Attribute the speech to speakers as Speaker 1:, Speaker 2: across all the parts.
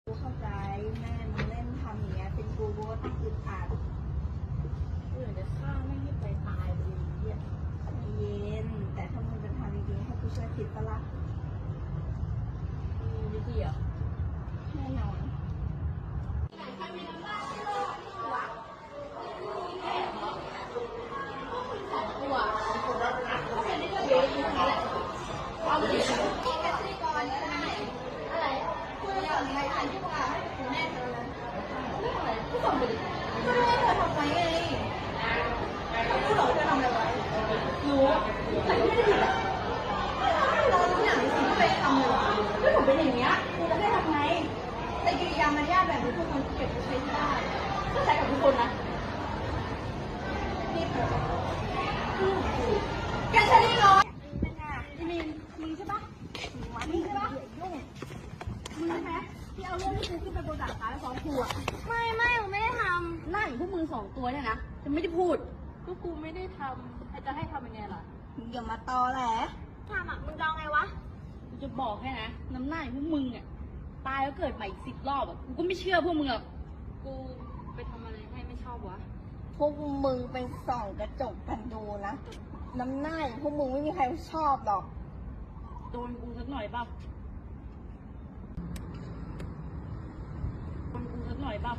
Speaker 1: กูเข้าใจแม่มึงเล่นทำอย่างเงี้ยเป็นกูก็ต้องอึดอัด
Speaker 2: กูอยากจะฆ่าไม่ให้ไปตายเลยเนี่ย
Speaker 1: ใจเย็นแต่ถ้ามึงจะทำจริงๆให้กูช่วยคิดปะล่ะ
Speaker 2: มีวิธีอ่ะ
Speaker 1: แน่นอนเป็นอย่างเงี้ยกูจะได้ทำไงแต่กิริยามารยาทแบบนี้ทุกคนเก็บไปใช้ที่ได้ก็ใช้กับทุกคนนะนี่เถอะแกใช้ได้ร้อยอีมินมึงใช่ปะมึงใช่ปะยุ่งมึงใช่ไหมที่เอาเรื่องที่กูขึ้นไปบนดาดฟ้าแล้วฟ้องครูอ่ะไม่ผมไม่ได้ทำนั่งพวกมึง2 ตัวเนี่ยนะจะไม่ได้พูด
Speaker 2: ก็กูไม่ได้ทำจะให้ทำยังไงล่ะ
Speaker 1: มึงอย่ามาตอแหลทำอ่ะมึงดองไงวะ
Speaker 2: กูจะบอกให้นะน้ำหน้าพวกมึงอ่ะตายแล้วเกิดใหม่อีก10 รอบอ่ะกูก็ไม่เชื่อพวกมึงหรอกกูไปทำอะไรให้ไม่ชอบวะ
Speaker 1: พวกมึงไปส่องกระจกกันดูนะน้ำหน้าอย่างพวกมึงไม่มีใครชอบหรอก
Speaker 2: โดนกูสักหน่อยเปล่าโดนกูสักหน่อยเปล่า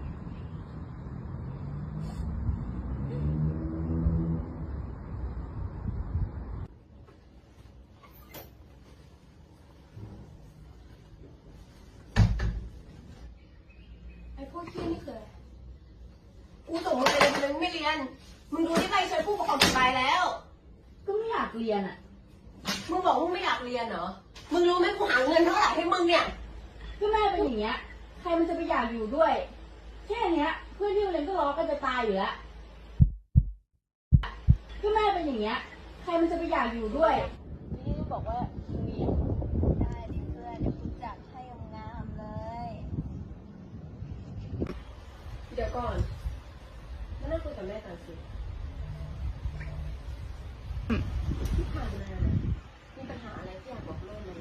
Speaker 1: ไอ้พวกที่นี่คือกูส่งมึงไปเลยมึงไม่เรียน มึงดูที่ใครช่วยผู้ปกครองผิดไปแล้ว
Speaker 2: ก็ไม่อยากเรียนอ่ะ
Speaker 1: มึงบอกว่าไม่อยากเรียนเหรอ มึงรู้ไหมกูหาเงินเท่าไหร่ให้มึงเนี่ย
Speaker 2: ก็แม่เป็นอย่างเงี้ยใครมันจะไปอยากอยู่ด้วยแค่เนี้ยเพื่อนที่โรงเรียนก็ล้อกันจะตายอยู่แล้วก็แม่เป็นอย่างเงี้ยใครมันจะไปอยากอยู่ด้วยนี่ก็บอกว่ามี
Speaker 1: ได้ดิเพื่อนเดี๋ยวกูจัดให้งามเลย
Speaker 3: เดี๋ยวก่อนมานั่งคุยกับแม่ก่อนสิที่ผ่านมามีปัญหาอะไรที่อยากบอกแม่ไหม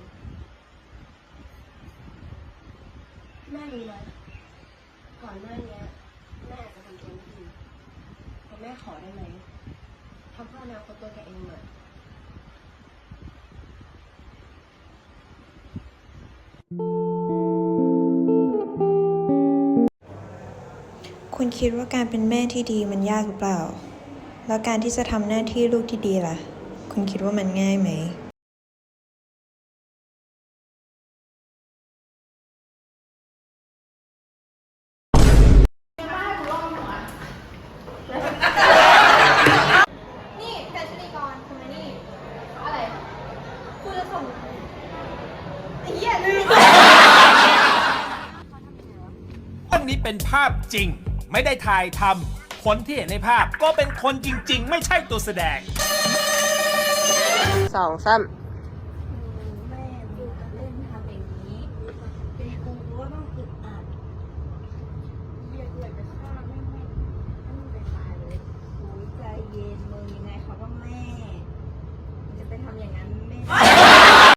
Speaker 1: แม่มีไหม
Speaker 3: ก่อนหน้านี้แม่อาจจะทำตัวไม่ดีแต่แม่ขอได้ไหมทำเพื่ออนาคตตัวแกเองหน่อย
Speaker 4: คุณคิดว่าการเป็นแม่ที่ดีมันยากหรือเปล่า แล้วการที่จะทำหน้าที่ลูกที่ดีล่ะ คุณคิดว่ามันง่ายไหม
Speaker 1: นี่แฟชั่นดีกรทำไมนี่ อะไรกูจะส่งไอ้เหี้ยลืม
Speaker 5: เรื่องนี้เป็นภาพจริงไม่ได้ถ่ายทำคนที่เห็นในภาพก็เป็นคนจริงๆ ไม่ใช่ตัวแสดง
Speaker 3: 2 3